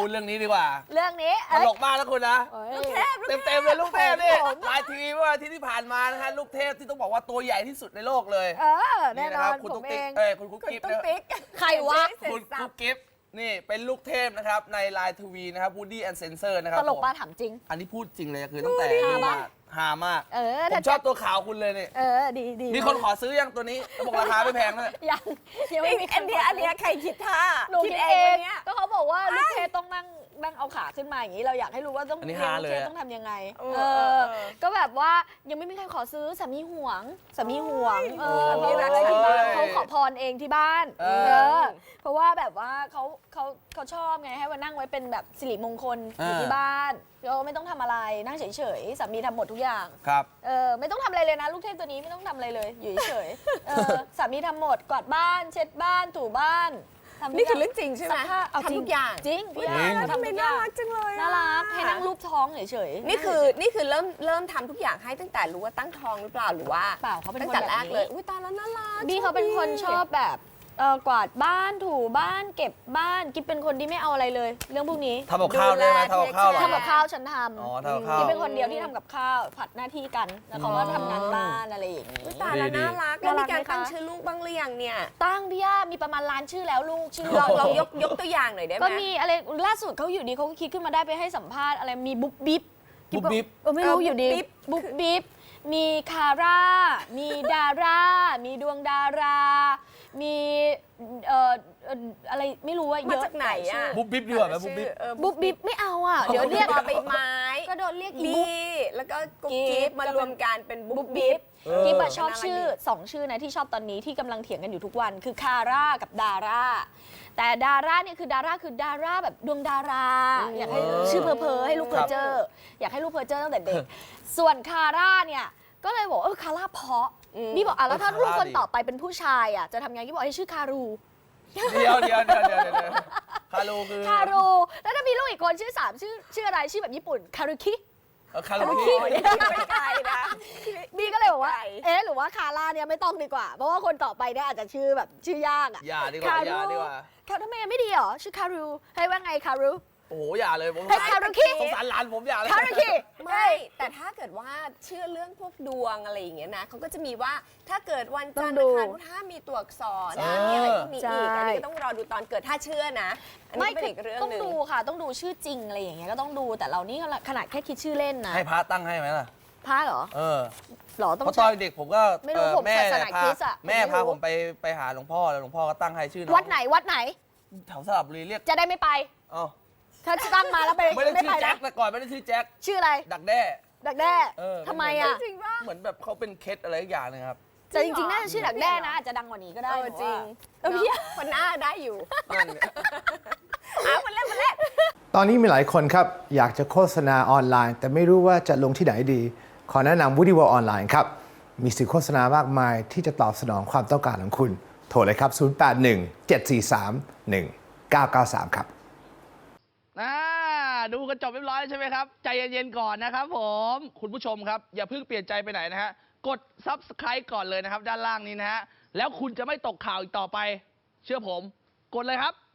พูดเรื่องนี้ดีกว่าเรื่องนี้ตลกมากแล้วคุณนะลูกเทพเต็มเลยลูกเทพนี่ลายทีวีเมื่อวันอาทิตย์ที่ผ่านมานะฮะลูกเทพที่ต้องบอกว่าตัวใหญ่ที่สุดในโลกเลยแน่นอนคุณตุ๊กผมเอติ๊กงคุณกุ๊กกิ๊บใครวะคุณกุ๊กกิ๊บนี่เป็นลูกเทพนะครับในลายทีวีนะครับวูดดี้แอนด์เซนเซอร์นะครับตลกป้าถามจริงอันนี้พูดจริงเลยคือตั้งแต่ดูมาฮามากผมชอบตัวขาวคุณเลยเนี่ยดีมีคนขอซื้อยังตัวนี้บอกราคาไม่แพงเลยยังไม่มีอันนี้ใครคิดท่าหนูคิดเองก็เขาบอกว่าลูกเทพต้องนั่งเอาขาขึ้นมาอย่างนี้เราอยากให้รู้ว่าต้องเลี้ยงลูกเทพต้องทำยังไงก็แบบว่ายังไม่มีใครขอซื้อสามีห่วงมีรักที่บ้านเขาขอพรเองที่บ้านเพราะว่าแบบว่าเขาชอบไงให้มานั่งไว้เป็นแบบสิริมงคลอยู่ที่บ้านเราไม่ต้องทำอะไรนั่งเฉยๆสามีทำหมดทุกอย่างครับไม่ต้องทำอะไรเลยนะลูกเทพตัวนี้ไม่ต้องทำอะไรเลยอยู่เฉยๆสามีทำหมดกวาดบ้านเช็ดบ้านถูบ้านนี่คือเรื่องจริงใช่ไหมทำทุกอย่างจริงพี่ทำน่ารักจังเลยน่ารักให้นั่งรูปท้องเฉยๆนี่คือเริ่มทำทุกอย่างให้ตั้งแต่รู้ว่าตั้งท้องหรือเปล่าหรือว่าเปล่าเขาเป็นตั้งแต่แรกเลยอุ้ยตาแล้วน่ารักบี้เขาเป็นคนชอบแบบกวาดบ้านถูบ้านเก็บบ้านกิ๊บเป็นคนที่ไม่เอาอะไรเลยเรื่องพวกนี้ทำกับข้าวได้ไหมทำกับข้าวทำกับข้าวฉันทำกิ๊บเป็นคนเดียวที่ทำกับข้าวผัดหน้าที่กันแล้วเขาก็ทำงานบ้านอะไรอย่างนี้ตาแล้วน่ารักแล้วมีการตั้งชื่อลูกบ้างหรือยังเนี่ยตั้งพี่ย่ามีประมาณล้านชื่อแล้วลูกชื่อลองยกตัวอย่างหน่อยได้ไหมก็มีอะไรล่าสุดเขาอยู่ดีเขาก็คิดขึ้นมาได้ไปให้สัมภาษณ์อะไรมีบุ๊บบิ๊บไม่รู้อยู่ดีบุ๊บบิ๊บมีคาร่ามีดารามีดวงดารามีอะไรไม่รู้ว่าเยอะมาจากไหนอ่ะบุ๊บบิ๊บดีกว่าไหมบุ๊บบิ๊บบุ๊บบิ๊บไม่เอาอ่ะเดี๋ยวเรียกใบไม้ก็โดนเรียกอีบุ๊บแล้วก็กุ๊กกิ๊บมารวมกันเป็นบุ๊บบิ๊บกิ๊บชอบชื่อ2ชื่อนะที่ชอบตอนนี้ที่กำลังเถียงกันอยู่ทุกวันคือคาร่ากับดาราแต่ดาราเนี่ยคือดาราแบบดวงดาราอยากให้ชื่อเพอให้ลูกเพอเจออยากให้ลูกเพอเจอตั้งแต่เด็กส่วนคาร่าเนี่ยก็เลยบอกคาร่าเพาะนี่บอกแล้วถ้าลูกคนต่อไปเป็นผู้ชายจะทำยังไงที่บอกให้ชื่อคารูเดี๋ยวคารูคือคารูแล้วถ้ามีลูกอีกคนชื่อ3ชื่ออะไรชื่อแบบญี่ปุ่นคารุคิคารุคิไม่ไกลนะบีก็เลยบอกว่าหรือว่าคาร่าเนี่ยไม่ต้องดีกว่าเพราะว่าคนต่อไปเนี่ยอาจจะชื่อแบบชื่อยากอย่าดีกว่าทำไมไม่ดีหรอชื่อคารูให้ว่าไงคารูโอ้โหอย่าเลยผมคารุคิสงสารหลานผมอย่าเลยคารุคิไม่แต่ถ้าเกิดว่าเชื่อเรื่องพวกดวงอะไรอย่างเงี้ยนะเขาก็จะมีว่าถ้าเกิดวันจันทร์อังคารถ้ามีตัวอักษรมีอะไรพวกนี้อีกอันนี้ก็ต้องรอดูตอนเกิดถ้าเชื่อนะไม่เป็นอีกเรื่องนึงต้องดูค่ะต้องดูชื่อจริงอะไรอย่างเงี้ยก็ต้องดูแต่เรานี่ขนาดแค่คิดชื่อเล่นนะให้พระตั้งให้ไหมล่ะพระเหรอหรอต้องเพราะตอนเด็กผมก็แม่พาผมไปหาหลวงพ่อแล้วหลวงพ่อก็ตั้งให้ชื่อวัดไหนแถวสระบุรีเรียกจะได้ไม่ไปถ้าตั้งมาแล้วไปไม่ได้ชื่อแจ็คแต่ก่อนไม่ได้ชื่อแจ็คชื่ออะไรดักแด้ทำไมเหมือนแบบเขาเป็นเคสอะไรอย่างนึงครับแต่จริงๆน่าจะชื่อดักแด้นะอาจจะดังกว่านี้ก็ได้จริงพี่คนหน้าได้อยู่มันเล่นตอนนี้มีหลายคนครับอยากจะโฆษณาออนไลน์แต่ไม่รู้ว่าจะลงที่ไหนดีขอแนะนำ Woody World ออนไลน์ครับมีสื่อโฆษณามากมายที่จะตอบสนองความต้องการของคุณโทรเลยครับ0817431993ครับดูกันจบเรียบร้อยใช่ไหมครับใจเย็นๆก่อนนะครับผมคุณผู้ชมครับอย่าเพิ่งเปลี่ยนใจไปไหนนะฮะกด Subscribe ก่อนเลยนะครับด้านล่างนี้นะฮะแล้วคุณจะไม่ตกข่าวอีกต่อไปเชื่อผมกดเลยครับ